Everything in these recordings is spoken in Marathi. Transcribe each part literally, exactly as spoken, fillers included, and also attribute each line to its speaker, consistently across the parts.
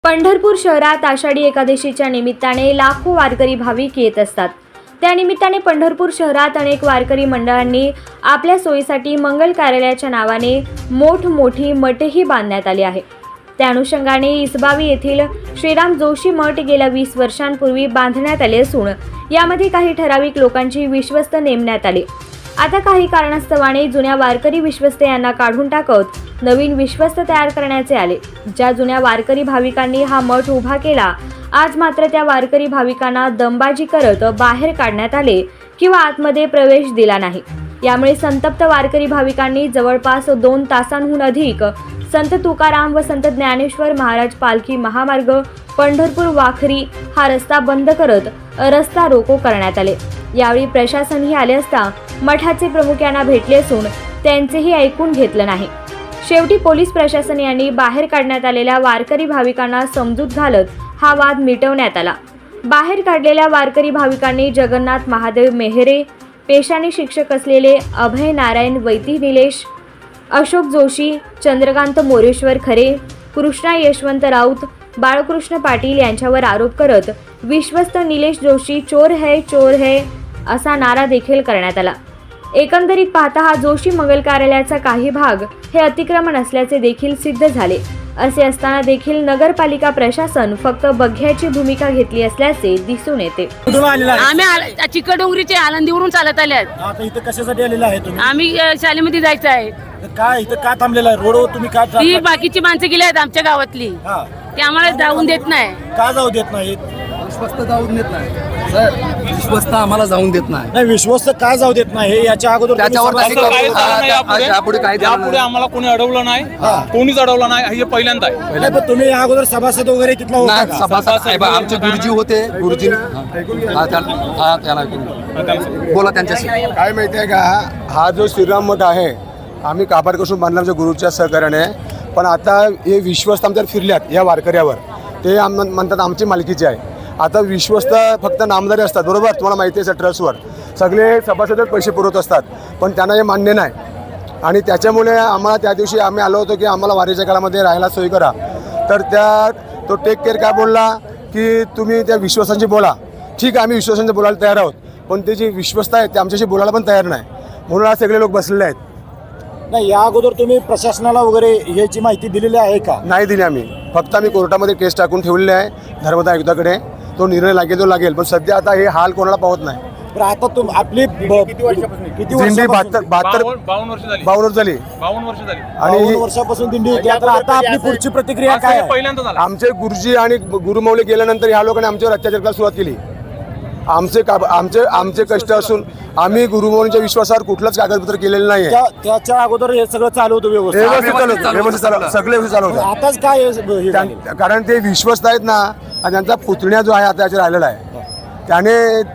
Speaker 1: पंढरपूर शहरात आषाढी एकादशीच्या निमित्ताने लाखो वारकरी भाविक येत असतात। त्यानिमित्ताने पंढरपूर शहरात अनेक वारकरी मंडळांनी आपल्या सोयीसाठी मंगल कार्यालयाच्या नावाने मोठमोठी मठही बांधण्यात आली आहे। त्या अनुषंगाने इसबावी येथील श्रीराम जोशी मठ गेल्या वीस वर्षांपूर्वी बांधण्यात आले असून यामध्ये काही ठराविक लोकांची विश्वस्त नेमण्यात आले। आता काही कारणास्तवाने जुन्या वारकरी विश्वस्त यांना काढून टाकत नवीन विश्वस्त तयार करण्याचे आले। ज्या जुन्या वारकरी भाविकांनी हा मठ उभा केला, आज मात्र त्या वारकरी भाविकांना दमबाजी करत बाहेर काढण्यात आले किंवा आतमध्ये प्रवेश दिला नाही। यामुळे संतप्त वारकरी भाविकांनी जवळपास दोन तासांहून अधिक संत तुकाराम व संत ज्ञानेश्वर महाराज पालखी महामार्ग पंढरपूर वाखरी हा रस्ता बंद करत रस्ता रोको करण्यात आले। यावेळी प्रशासनही आले असता मठाचे प्रमुख यांना भेटले असून त्यांचेही ऐकून घेतलं नाही। शेवटी पोलीस प्रशासन यांनी बाहेर काढण्यात आलेल्या वारकरी भाविकांना समजूत घालत हा वाद मिटवण्यात आला। बाहेर काढलेल्या वारकरी भाविकांनी जगन्नाथ महादेव मेहरे, पेशाने शिक्षक असलेले अभय नारायण वैती निलेश, अशोक जोशी, चंद्रकांत मोरेश्वर खरे, कृष्णा यशवंत राऊत, बाळकृष्ण पाटील यांच्यावर आरोप करत विश्वस्त निलेश जोशी चोर है चोर है असा नारा देखील करण्यात आला। एकंदरीत पाहता हा जोशी मंगल कार्यालयाचा काही भाग हे अतिक्रमण असल्याचे देखील सिद्ध झाले। असे असताना देखील नगरपालिका प्रशासन फक्त बघ्याची भूमिका घेतली असल्याचे दिसून येते।
Speaker 2: आम्ही चिकडोंगरीचे आनंदीवरून चालत आले आहेत।
Speaker 3: आता इथं कशासाठी आलेला आहे तुम्ही?
Speaker 2: आम्ही शाळेमध्ये जायचं आहे।
Speaker 3: काय इथं का थांबलेला आहे? रोडवर तुम्ही का
Speaker 2: ती बाकीची माणसं गेली आहेत आमच्या गावातली,
Speaker 3: हा
Speaker 2: ते आम्हाला जाऊन देत नाही।
Speaker 3: का जाऊ देत नाहीत?
Speaker 4: विश्वस्त जाऊन देत नाही सर, विश्वस्त आम्हाला जाऊन देत नाही।
Speaker 3: नाही, विश्वस्त का जाऊ देत नाही हे याच्या अगोदर
Speaker 4: त्याच्यावर
Speaker 3: तुम्ही
Speaker 4: काही
Speaker 3: समाज-
Speaker 4: हा, त्या- यापुढे काही देणार
Speaker 5: यापुढे
Speaker 4: नाही।
Speaker 5: आम्हाला कोणी अडवलं नाही, कोणीच अडवलं नाही, हे पहिल्यांदा आहे।
Speaker 3: नाही, पण तुम्ही या अगोदर सभासद वगैरे तिथला होता
Speaker 4: नाही,
Speaker 3: का?
Speaker 4: सभासद साहेब आमचे गुरुजी होते, गुरुजी हा त्याला हा, त्याला बोला त्यांच्याशी।
Speaker 6: काय माहिती आहे का, हा जो श्रीराम मठ आहे आम्ही काबाडपासून बांधला आमच्या गुरुच्या सहकार्याने, पण आता हे विश्वस्त आमच्यावर फिरल्यात या वारकऱ्यावर, ते आम म्हणतात आमची मालकीचे आहे। आता विश्वस्त फक्त नामदारी असतात, बरोबर, तुम्हाला माहिती आहे ट्रस्टवर सगळे सभासदच पैसे पुरवत असतात, पण त्यांना हे मान्य नाही। आणि त्याच्यामुळे आम्हाला त्या दिवशी आम्ही आलो होतो की आम्हाला वारीच्या काळामध्ये राहायला सोय करा, तर त्या तो टेक केअर काय बोलला की तुम्ही त्या विश्वासांची बोला। ठीक आहे, आम्ही विश्वासांची बोलायला तयार आहोत, पण ते जे विश्वस्त आहेत ते आमच्याशी बोलायला पण तयार नाही, म्हणून आज सगळे लोक बसलेले आहेत।
Speaker 3: नाही, या अगोदर तुम्ही प्रशासनाला वगैरे याची माहिती दिलेली आहे का?
Speaker 6: नाही दिली आम्ही, फक्त आम्ही कोर्टामध्ये केस टाकून ठेवलेले आहे धर्मदाय आयुक्ताकडे, तो निर्णय लागेल तो लागेल, पण सध्या आता हे हाल कोणाला पावत नाही।
Speaker 3: तर आता तुम आपली ब- किती
Speaker 6: दिंडी
Speaker 3: वर्षापासून?
Speaker 6: बहात्तर बहात्तर
Speaker 5: बावन्न बावन्न वर्ष झाली,
Speaker 6: बावन्न झाली
Speaker 5: बावन्न वर्ष झाली
Speaker 6: आणि
Speaker 3: बावन्न वर्षापासून दिंडी होती। आता आता आपली पुढची प्रतिक्रिया
Speaker 5: असं
Speaker 3: काय
Speaker 5: हे
Speaker 3: आहे?
Speaker 5: पहिल्यांदा झालं।
Speaker 6: आमचे गुरुजी आणि गुरुमौली गेल्यानंतर ह्या लोकांनी आमच्यावर अत्याचार करायला सुरुवात केली। आमचे का आमचे आमचे कष्ट असून आम्ही गुरुमौलींच्या विश्वासावर कुठलंच कागदपत्र केलेलं नाही आहे।
Speaker 3: त्या- त्याच्या अगोदर हे सगळं चालू होतं व्यवस्थित?
Speaker 6: व्यवस्थित चालू होतं, व्यवस्थित चालू होतं, सगळे व्यवस्थित चालू होतं।
Speaker 3: आताच काय हे- हे झालं?
Speaker 6: त्यां- कारण ते विश्वस्त आहेत ना, आणि त्यांचा पुतण्या जो आहे आता याच्या राहिलेला आहे, त्याने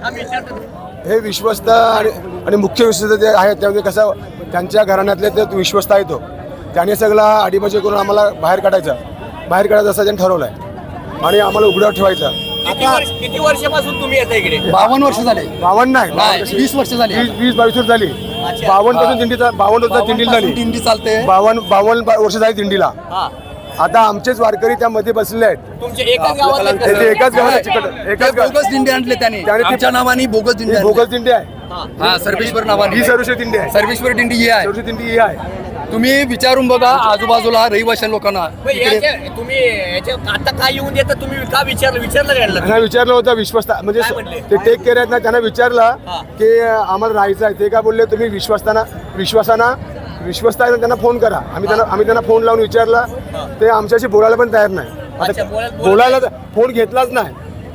Speaker 6: हे विश्वस्त आणि आणि मुख्य विश्वस्त जे आहेत त्यामध्ये कसं त्यांच्या घराण्यातले ते विश्वस्त आहे, तो त्याने सगळा अडीबाजी करून आम्हाला बाहेर काढायचं बाहेर काढायचं असं त्यांनी ठरवलं आहे आणि आम्हाला उघड्यावर ठेवायचं।
Speaker 3: आता
Speaker 5: किती वर्षापासून तुम्ही येता इकडे?
Speaker 4: बावन्न वर्ष झाले,
Speaker 6: बावन्न नाही,
Speaker 4: वीस वर्ष झाली,
Speaker 6: वीस वीस बावीस वर्ष झाली, बावन्न पासून दिंडीचा बावन्न वर्ष दिंडीला झाली,
Speaker 4: दिंडी चालते।
Speaker 6: बावन्न बावन्न बा- वर्ष झाली दिंडीला। आता आमचेच वारकरी त्यामध्ये बसले आहेत,
Speaker 5: तुमचे एकाच गावात
Speaker 6: ते ते एकाच गावाला चिकट एकाच गाव
Speaker 4: बोगस दिंडी आणले त्याने,
Speaker 6: त्याने ती-
Speaker 4: आमच्या नावाने बोगस दिंडी
Speaker 6: ही
Speaker 4: आणली।
Speaker 6: बोगस दिंडी आहे,
Speaker 4: हा, सर्वेश्वर नावाने
Speaker 6: ही सर्वश्री दिंडी आहे,
Speaker 4: सर्वेश्वर दिंडी ही आहे।
Speaker 6: सर्वश्री दिंडी ही आहे।
Speaker 4: तुम्ही विचारून बघा आजूबाजूला रहिवाशां लोकांना इकडे।
Speaker 5: तुम्ही याच्या आता काय येऊन देता, तुम्ही का विचारलं विचारलं काय?
Speaker 6: त्यांना विचारलं होतं विश्वस्त म्हणजे
Speaker 5: काय म्हणले?
Speaker 6: ते टेक केअर आहेत ना, त्यांना विचारलं
Speaker 5: हा.
Speaker 6: की आम्हाला राहायचं आहे, ते काय बोलले तुम्ही विश्वस्ताना विश्वासाना विश्वस्त आहे ना त्यांना फोन करा। आम्ही त्यांना आम्ही त्यांना फोन लावून विचारलं, ते आमच्याशी बोलायला पण तयार नाही।
Speaker 5: अच्छा,
Speaker 6: आता
Speaker 5: बोलायला-
Speaker 6: बोलायला फोन घेतलाच नाही,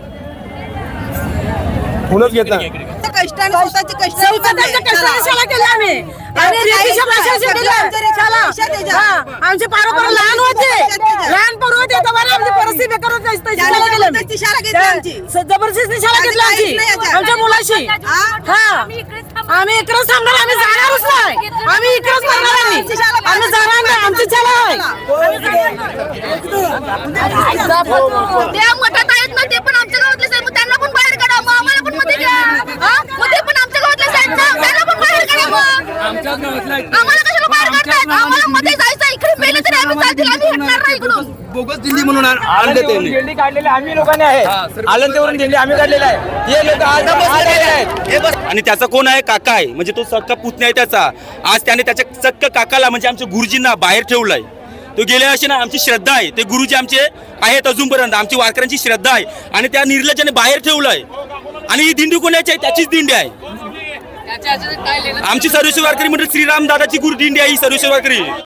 Speaker 6: फोनच घेतला नाही।
Speaker 7: कष्टाने स्वतःचे कष्ट
Speaker 2: स्वतःच्या कष्टाने शाळा केली आम्ही आणि रेतीच्या भाषेच्या केल्या शाळा। हा, आमचे पारोपर लहान होते, लहान पोरं होते, तेव्हा आमची परिस्थिती बेकार होती, तशी शाळा केली आम्ही।
Speaker 7: जबरदस्ती शाळा घेतली आमची.
Speaker 2: स- जबरदस्ती शाळा घेतली आमची
Speaker 7: काहीच नाही याच्यात.
Speaker 2: आमच्या मुलाशी।
Speaker 7: हा?
Speaker 2: हा, आम्ही इकडेच थांबणार, आम्ही जाणारच नाही, आम्ही इकडेच थांबणार, आम्ही आम्ही जाणार नाही, आमची शाळा आहे।
Speaker 7: त्या मठात आहेत ना, ते पण आमच्या गावातले साहेब, मग त्यांना पण बाहेर काढा, मग आम्हाला पण मध्ये घ्या. हा? मग ते पण आमच्या गावातले साहेब ना, त्यांना पण बाहेर काढा मग. आम्हाला कशाला बाहेर काढतायत? आम्हाला मध्ये जायचं, इकडे मेले तरी आम्ही चालतील, आम्ही हटणार नाही इकडून।
Speaker 4: बोगस दिंडी म्हणून आण- आणले त्यांनी.
Speaker 5: दिंडी काढलेली आम्ही लोकांनी आहे आलंतेवरून दिंडी आम्ही काढलेली आहे हे लोक आज आलेले आहेत.
Speaker 8: आणि त्याचा कोण आहे काका आहे म्हणजे तो सक्का पुतण्या आहे त्याचा. आज त्याने त्याच्या सक्क काकाला म्हणजे आमच्या गुरुजींना बाहेर ठेवलाय. तो गेले असे ना आमची श्रद्धा आहे ते गुरुजी आमचे आहेत अजूनपर्यंत आमची वारकऱ्यांची श्रद्धा आहे आणि त्या निर्लज्जाने बाहेर ठेवलंय. आणि ही दिंडी कोणाची आहे त्याचीच दिंडी आहे आमची सर्वेश्वर वारकरी म्हणजे श्रीराम दादाची गुरु दिंडी आहे ही सर्वेश्वर वारकरी.